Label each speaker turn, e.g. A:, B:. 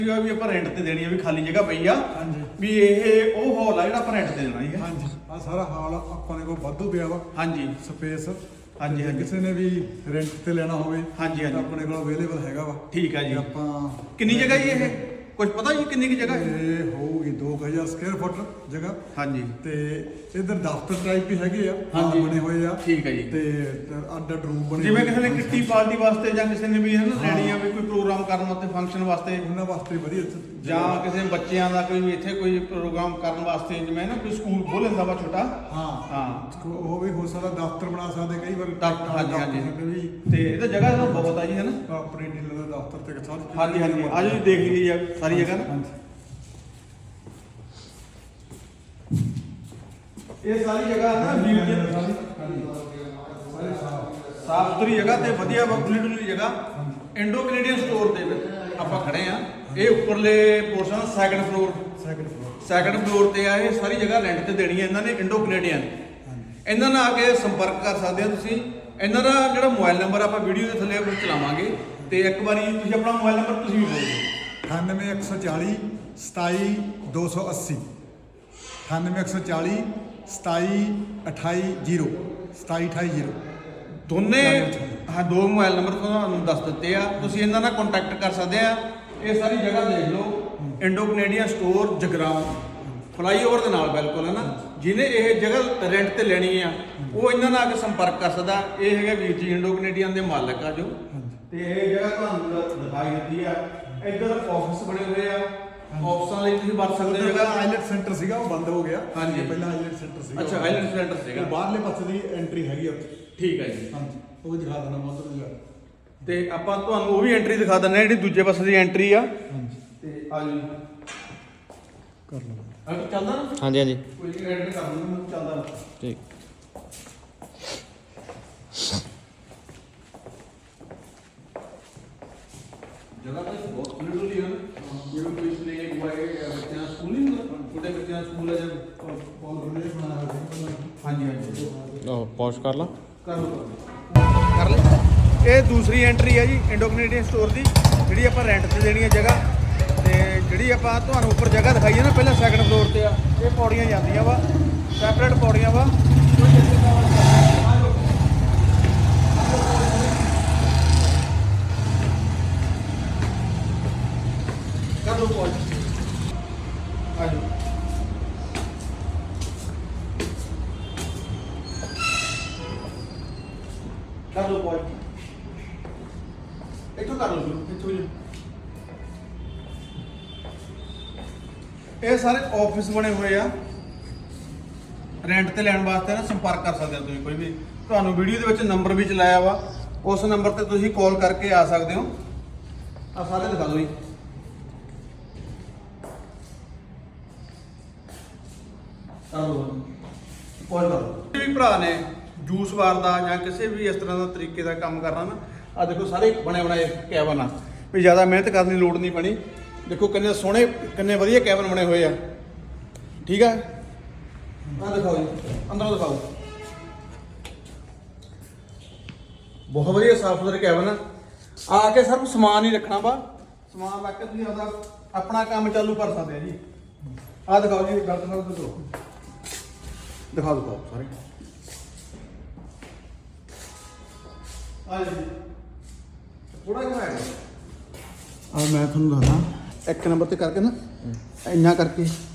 A: ਵੀ ਆਪਾਂ ਰੈਂਟ ਤੇ ਦੇਣੀ ਆ ਵੀ ਖਾਲੀ ਜਗ੍ਹਾ ਪਈ ਆ
B: ਹਾਂਜੀ
A: ਵੀ ਇਹ ਉਹ ਹਾਲ ਆ ਜਿਹੜਾ ਆਪਾਂ ਰੈਂਟ ਤੇ ਦੇਣਾ ਹੈ
B: ਹਾਂਜੀ ਆ ਸਾਰਾ ਹਾਲ ਆਪਣੇ ਕੋਲ ਵਾਧੂ ਪਿਆ ਵਾ
A: ਹਾਂਜੀ
B: ਸਪੇਸ
A: ਹਾਂਜੀ ਹਾਂਜੀ
B: ਕਿਸੇ ਨੇ ਵੀ ਰੈਂਟ ਤੇ ਲੈਣਾ ਹੋਵੇ
A: ਹਾਂਜੀ
B: ਤਾਂ
A: ਹਾਂਜੀ
B: ਆਪਣੇ ਕੋਲ ਅਵੇਲੇਬਲ ਹੈਗਾ ਵਾ
A: ਠੀਕ ਆ ਜੀ
B: ਆਪਾਂ
A: ਕਿੰਨੀ ਜਗ੍ਹਾ ਜੀ ਇਹ ਕੁਝ ਪਤਾ ਜੀ ਕਿੰਨੀ ਕੀ ਜਗ੍ਹਾ ਹੈ
B: ਇਹ ਹੋਊਗੀ 2000 ਸਕੁਅਰ ਫੁੱਟ ਜਗ੍ਹਾ
A: ਹਾਂਜੀ
B: ਤੇ ਇਧਰ ਦਫ਼ਤਰ ਟਾਈਪ ਵੀ ਹੈਗੇ ਆ
A: ਹਾਂਜੀ।
B: ਬਣੇ ਹੋਏ ਆ
A: ਠੀਕ ਹੈ ਜੀ
B: ਤੇ ਅੱਡ ਅੱਡ ਰੂਮ ਬਣੇ
A: ਜਿਵੇਂ
B: ਹੋਏ
A: ਕਿਸੇ ਨੇ
B: ਆ।
A: ਕਿੱਟੀ ਪਾਰਟੀ ਵਾਸਤੇ ਜਾਂ ਕਿਸੇ ਨੇ ਵੀ ਹੈ ਨਾ
B: ਹਾਂ।
A: ਲੈਣੀ ਆ ਵੀ ਕੋਈ ਪ੍ਰੋਗਰਾਮ ਕਰਨ ਵਾਸਤੇ ਫੰਕਸ਼ਨ ਵਾਸਤੇ
B: ਉਹਨਾਂ ਵਾਸਤੇ ਵਧੀਆ
A: ਜਾਂ ਕਿਸੇ ਬੱਚਿਆਂ ਦਾ ਕੋਈ ਵੀ ਇੱਥੇ ਕੋਈ ਪ੍ਰੋਗਰਾਮ ਕਰਨ ਵਾਸਤੇ ਜਿਵੇਂ ਨਾ ਕੋਈ ਸਕੂਲ ਖੋਲ ਲੈਂਦਾ ਵਾ ਛੋਟਾ
B: ਹਾਂ
A: ਹਾਂ
B: ਉਹ ਵੀ ਹੋ ਸਕਦਾ ਦਫ਼ਤਰ ਬਣਾ ਸਕਦੇ ਕਈ ਵਾਰ
A: ਦਫ਼ਤਰ, ਹਾਂਜੀ, ਹਾਂਜੀ।
B: ਦਫ਼ਤਰ ਵੀ
A: ਤੇ ਇਹਦਾ ਜਗ੍ਹਾ ਤਾਂ ਬਹੁਤ ਆ ਜੀ ਹੈ ਨਾ
B: ਆਪਣੀ ਡੀਲਰ ਦਾ ਦਫ਼ਤਰ ਤੇ ਸਾਰੀ
A: ਹਾਂਜੀ ਹਾਂਜੀ ਆਜੋ ਜੀ ਦੇਖ ਲਈਏ ਜੀ ਸਾਰੀ ਜਗ੍ਹਾ ਨਾ
B: ਹਾਂਜੀ।
A: ਇਹ ਸਾਰੀ ਜਗ੍ਹਾ ਨਾ ਵੀਰ ਜੀ ਸਾਫ ਸੁਥਰੀ ਜਗ੍ਹਾ ਤੇ ਵਧੀਆ ਖੁੱਲੀ ਡੁੱਲੀ ਜਗ੍ਹਾ ਇੰਡੋ ਕੈਨੇਡੀਅਨ ਸਟੋਰ ਦੇ ਵਿੱਚ ਆਪਾਂ ਖੜੇ ਆ ਇਹ ਉੱਪਰਲੇ ਪੋਰਸ਼ਨ ਸੈਕੰਡ ਫਲੋਰ ਤੇ ਆ ਇਹ ਸਾਰੀ ਜਗ੍ਹਾ ਰੈਂਟ ਤੇ ਦੇਣੀ ਹੈ ਇਹਨਾਂ ਨੇ ਇੰਡੋ ਕੈਨੇਡੀਅਨ ਇਹਨਾਂ ਨਾਲ ਆ ਕੇ ਸੰਪਰਕ ਕਰ ਸਕਦੇ ਹੋ ਤੁਸੀਂ ਇਹਨਾਂ ਦਾ ਜਿਹੜਾ ਮੋਬਾਈਲ ਨੰਬਰ ਆਪਾਂ ਵੀਡੀਓ ਦੇ ਥੱਲੇ ਉੱਪਰ ਚਲਾਵਾਂਗੇ ਤੇ ਇੱਕ ਵਾਰੀ ਤੁਸੀਂ ਆਪਣਾ ਮੋਬਾਈਲ ਨੰਬਰ ਤੁਸੀਂ ਵੀ ਬੋਲੋ
B: 98140 27280 98140 27280
A: ਦੋਨੇ ਹਾਂ ਦੋ ਮੋਬਾਈਲ ਨੰਬਰ ਤੁਹਾਨੂੰ ਦੱਸ ਦਿੱਤੇ ਆ ਤੁਸੀਂ ਇਹਨਾਂ ਨਾਲ ਕੰਟੈਕਟ ਕਰ ਸਕਦੇ ਆ ਇਹ ਸਾਰੀ ਜਗ੍ਹਾ ਦੇਖ ਲਓ Indo Canadian store Jagraon flyover ਦੇ ਨਾਲ ਬਿਲਕੁਲ ਹੈ ਨਾ ਜਿਹਨੇ ਇਹ ਜਗ੍ਹਾ ਰੈਂਟ ਤੇ ਲੈਣੀ ਆ ਉਹ ਇਹਨਾਂ ਨਾਲ ਆ ਕੇ ਸੰਪਰਕ ਕਰ ਸਕਦਾ ਇਹ ਹੈਗਾ ਵੀਰ ਜੀ ਇੰਡੋ ਕੈਨੇਡੀਅਨ ਦੇ ਮਾਲਕ ਆ ਜੋ ਤੇ ਇਹ ਜਗ੍ਹਾ ਤੁਹਾਨੂੰ ਦਿਖਾਈ ਦਿੱਤੀ ਆ ਇੱਧਰ ਆਫਿਸ ਬਣੇ ਹੋਏ ਆ ਆਫਿਸਾਂ ਲਈ ਤੁਸੀਂ ਵਰਤ ਸਕਦੇ ਹੋ
B: ਜਗ੍ਹਾ ਆਈਲੈਟ ਸੈਂਟਰ ਸੀਗਾ ਉਹ ਬੰਦ ਹੋ ਗਿਆ
A: ਹਾਂਜੀ
B: ਪਹਿਲਾਂ ਆਈਲੈਟ ਸੈਂਟਰ ਸੀਗਾ
A: ਅੱਛਾ ਆਈਲੈਂਡ ਸੈਂਟਰ ਸੀਗਾ
B: ਬਾਹਰਲੇ ਪਾਸੇ ਦੀ ਐਂਟਰੀ ਹੈਗੀ ਆ
A: ਠੀਕ ਹੈ ਜੀ
B: ਹਾਂਜੀ ਉਹ ਵੀ ਦਿਖਾ ਦੇਣਾ ਮੋਦਰ ਨੂੰ
A: ਤੇ ਆਪਾਂ ਤੁਹਾਨੂੰ ਉਹ ਵੀ ਐਂਟਰੀ ਦਿਖਾ ਦਿੰਦੇ ਆ ਜਿਹੜੀ ਦੂਜੇ ਪਾਸੇ ਦੀ ਐਂਟਰੀ ਆ
B: ਹਾਂਜੀ
A: ਤੇ ਆ ਜੀ
B: ਕਰ ਲਓ
A: ਅਗਰ ਚੱਲਦਾ ਨਾ
C: ਹਾਂਜੀ ਹਾਂਜੀ
A: ਕੋਈ ਨਹੀਂ ਐਂਟਰੀ ਕਰ ਲੂੰਗਾ ਮੈਨੂੰ ਚੱਲਦਾ
C: ਠੀਕ
A: ਜਗ੍ਹਾ ਤਾਂ ਬਹੁਤ ਖੁੱਲੀ ਡੁੱਲੀ ਹੈ ਜਿਵੇਂ ਕੋਈ ਪਲੇ ਬੁਆਏ ਬੱਚਿਆਂ ਦਾ ਸਕੂਲ ਨਹੀਂ ਹੁੰਦਾ ਛੋਟੇ ਬੱਚਿਆਂ ਦਾ ਸਕੂਲ ਹੈ ਜਾਂ
B: ਬਹੁਤ ਵਧੀਆ ਬਣਾਇਆ ਹੋਇਆ
A: ਹਾਂਜੀ ਹਾਂਜੀ
C: ਉਹ ਪੌਸ਼ ਕਰ ਲਾ
A: ਕਰ ਲਓ ਕਰ ਲੈ ਇਹ ਦੂਸਰੀ ਐਂਟਰੀ ਹੈ ਜੀ ਇੰਡੋ ਕੈਨੇਡੀਅਨ ਸਟੋਰ ਦੀ ਜਿਹੜੀ ਆਪਾਂ ਰੈਂਟ ਤੇ ਦੇਣੀ ਹੈ ਜਗ੍ਹਾ ਤੇ ਜਿਹੜੀ ਆਪਾਂ ਤੁਹਾਨੂੰ ਉੱਪਰ ਜਗ੍ਹਾ ਦਿਖਾਈ ਹੈ ਨਾ ਪਹਿਲਾਂ ਸੈਕੰਡ ਫਲੋਰ ਤੇ ਆ ਇਹ ਪੌੜੀਆਂ ਜਾਂਦੀਆਂ ਵਾ ਸੈਪਰੇਟ ਪੌੜੀਆਂ ਵਾ ਕਰ ਲਓ ਪੌੜ ਆ ਜਾਓ ਕਰ ਲਓ ਪੌੜ ਇੱਥੋਂ ਕਰ ਲਓ ਇੱਥੋਂ ਜੀ ਇਹ ਸਾਰੇ ਆਫਿਸ ਬਣੇ ਹੋਏ ਆ ਰੈਂਟ ਤੇ ਲੈਣ ਵਾਸਤੇ ਨਾ ਸੰਪਰਕ ਕਰ ਸਕਦੇ ਹੋ ਤੁਸੀਂ ਕੋਈ ਵੀ ਤੁਹਾਨੂੰ ਵੀਡੀਓ ਦੇ ਵਿੱਚ ਨੰਬਰ ਵੀ ਚਲਾਇਆ ਵਾ ਉਸ ਨੰਬਰ ਤੇ ਤੁਸੀਂ ਕਾਲ ਕਰਕੇ ਆ ਸਕਦੇ ਹੋ ਆ ਸਾਰੇ ਦਿਖਾ ਦਿਓ ਜੀ ਕਾਲ ਕਰੋ ਵੀ ਭਰਾ ਨੇ ਜੂਸ ਬਾਰ ਦਾ ਜਾਂ ਕਿਸੇ ਵੀ ਇਸ ਤਰ੍ਹਾਂ ਦਾ ਤਰੀਕੇ ਦਾ ਕੰਮ ਕਰਨਾ ਨਾ ਆ ਦੇਖੋ ਸਾਰੇ ਬਣੇ ਬਣਾਏ ਕੈਬਨ ਆ ਵੀ ਜ਼ਿਆਦਾ ਮਿਹਨਤ ਕਰਨ ਦੀ ਲੋੜ ਨਹੀਂ ਪਣੀ ਦੇਖੋ ਕਿੰਨੇ ਸੋਹਣੇ ਕਿੰਨੇ ਵਧੀਆ ਕੈਬਨ ਬਣੇ ਹੋਏ ਆ ਠੀਕ ਆ ਆ ਦਿਖਾਓ ਜੀ ਅੰਦਰੋਂ ਦਿਖਾਓ ਬਹੁਤ ਵਧੀਆ ਸਾਫ ਸੁਥਰੇ ਕੈਬਨ ਆ ਕੇ ਸਿਰਫ ਸਮਾਨ ਹੀ ਰੱਖਣਾ ਵਾ ਸਮਾਨ ਰੱਖ ਕੇ ਤੁਸੀਂ ਆਪਦਾ ਆਪਣਾ ਕੰਮ ਚਾਲੂ ਕਰ ਸਕਦੇ ਆ ਜੀ ਆ ਦਿਖਾਓ ਜੀ ਗਲਤ ਨਾਲ ਦਿਖਾਓ ਸਾਰੇ ਆ ਜੀ ਥੋੜਾ ਜਿਹਾ ਹੈ ਆ ਮੈਂ ਤੁਹਾਨੂੰ ਦੱਸਦਾ ਇੱਕ ਨੰਬਰ ਤੇ ਕਰਕੇ ਨਾ ਇੰਨਾ ਕਰਕੇ